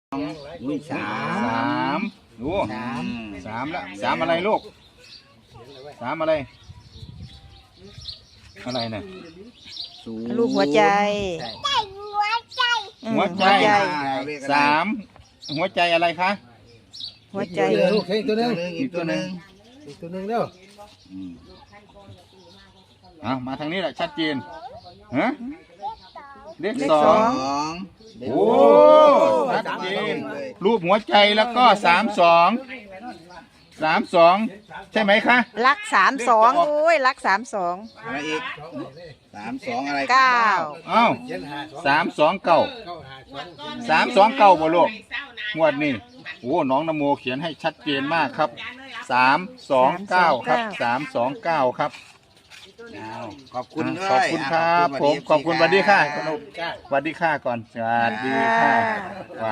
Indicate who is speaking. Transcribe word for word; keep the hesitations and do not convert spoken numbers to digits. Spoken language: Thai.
Speaker 1: อุ้ยสา
Speaker 2: สาม มดูสามละสามอะไรลูกสามอะไรอะไรเนี่ย
Speaker 3: ลูกหัวใจ
Speaker 2: หัวใจสามหัวใจอะไรคะ
Speaker 3: หัวใจ
Speaker 1: ลูกอีกตัวหนึง
Speaker 2: อีกตัวหนึ่ง
Speaker 1: อีกตัวหนึงเด้อ
Speaker 2: เอามาทางนี้แหละชัดเจนฮะเลข
Speaker 3: เลข
Speaker 2: สอ
Speaker 3: สอง ง
Speaker 2: โอ้ชัดเจนรูปหัวใจแล้วก็สามสองสามสองใช่ไหมคะ
Speaker 3: รักสามสองโอ้ยรักสามสอง
Speaker 1: อะไรอีกสามสองอะไร
Speaker 3: เก้า
Speaker 2: เอ้าสามสองเก้าสามสองเก้าบ่ลูกงวดนี้โอ้น้องนโมเขียนให้ชัดเจนมากครับสามสองเก้าครับสามสองเก้าครับ
Speaker 1: ขอบคุณด้วย
Speaker 2: ขอบคุณครับผมขอบคุณสวัสดีค่ะสวัสดีค่ะก่อนสวัสดีค่ะ